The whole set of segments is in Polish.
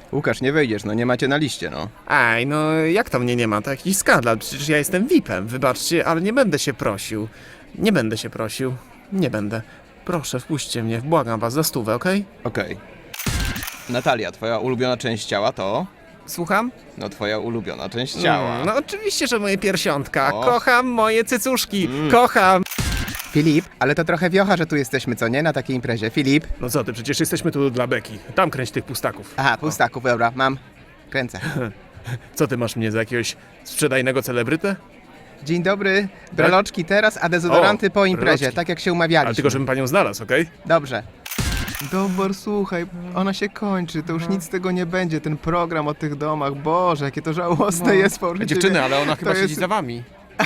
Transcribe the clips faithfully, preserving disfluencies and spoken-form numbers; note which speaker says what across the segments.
Speaker 1: Łukasz, nie wejdziesz, no nie macie na liście, no.
Speaker 2: Aj, no jak to mnie nie ma? To jakiś skandal. Przecież ja jestem V I P-em. Wybaczcie, ale nie będę się prosił. Nie będę się prosił. Nie będę. Proszę, wpuśćcie mnie. Błagam was za stówę, okej?
Speaker 1: Okej. Natalia, twoja ulubiona część ciała to?
Speaker 2: Słucham?
Speaker 1: No twoja ulubiona część ciała.
Speaker 2: Mm, no oczywiście, że moje piersiątka.
Speaker 1: O.
Speaker 2: Kocham moje cycuszki.
Speaker 1: Mm.
Speaker 2: Kocham.
Speaker 1: Filip, ale to trochę wiocha, że tu jesteśmy, co nie? Na takiej imprezie. Filip?
Speaker 2: No co ty, przecież jesteśmy tu dla beki. Tam kręć tych pustaków.
Speaker 1: Aha, pustaków, dobra, mam. Kręcę.
Speaker 2: Co ty masz mnie za jakiegoś sprzedajnego celebrytę?
Speaker 1: Dzień dobry. Breloczki teraz, a dezodoranty
Speaker 2: O,
Speaker 1: po imprezie,
Speaker 2: breloczki.
Speaker 1: tak jak się umawialiśmy.
Speaker 2: Ale tylko, żebym panią znalazł, okej?
Speaker 1: Dobrze. Dobor, słuchaj, ona się kończy, to już nic z tego nie będzie, ten program o tych domach, Boże, jakie to żałosne jest po życiu.
Speaker 2: Dziewczyny, ale ona chyba
Speaker 1: jest-
Speaker 2: siedzi za wami.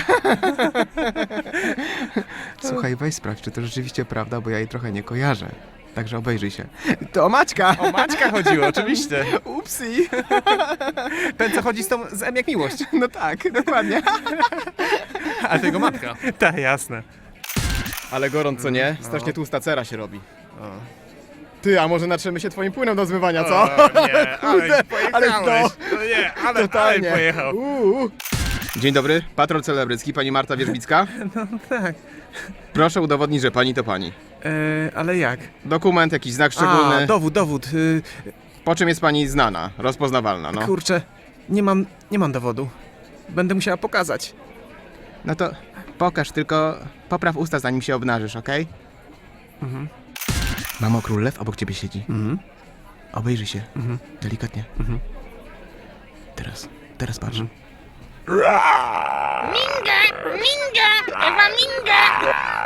Speaker 1: Słuchaj, weź sprawdź, czy to rzeczywiście prawda, bo ja jej trochę nie kojarzę. Także obejrzyj się. To Maćka!
Speaker 2: O Maćka chodziło, oczywiście.
Speaker 1: Upsi!
Speaker 2: Ten, co chodzi z tą z M jak miłość.
Speaker 1: No tak, dokładnie.
Speaker 2: Ale tego matka. Tak, jasne.
Speaker 1: Ale gorąco, nie? Strasznie tłusta cera się robi. Ty, a może natrzemy się twoim płynem do zmywania, co?
Speaker 2: O, nie, ale pojechałeś.
Speaker 1: ale
Speaker 2: No nie, ale,
Speaker 1: Totalnie.
Speaker 2: ale pojechał.
Speaker 1: Uuu. Dzień dobry, patrol celebrycki, pani Marta Wierzbicka.
Speaker 2: No tak.
Speaker 1: Proszę udowodnić, że pani to pani.
Speaker 2: E, ale jak?
Speaker 1: Dokument, jakiś znak szczególny.
Speaker 2: A, dowód, dowód. Y,
Speaker 1: Po czym jest pani znana, rozpoznawalna, no.
Speaker 2: Kurczę, nie mam, nie mam dowodu. Będę musiała pokazać.
Speaker 1: No to pokaż, tylko popraw usta, zanim się obnażysz, okej?
Speaker 2: Mhm.
Speaker 1: Mamo, król lew obok ciebie siedzi.
Speaker 2: Mhm.
Speaker 1: Obejrzyj się.
Speaker 2: Mhm.
Speaker 1: Delikatnie.
Speaker 2: Mhm.
Speaker 1: Teraz, teraz patrz.
Speaker 2: Mhm.
Speaker 3: Minga! Minga! Ewa Minga!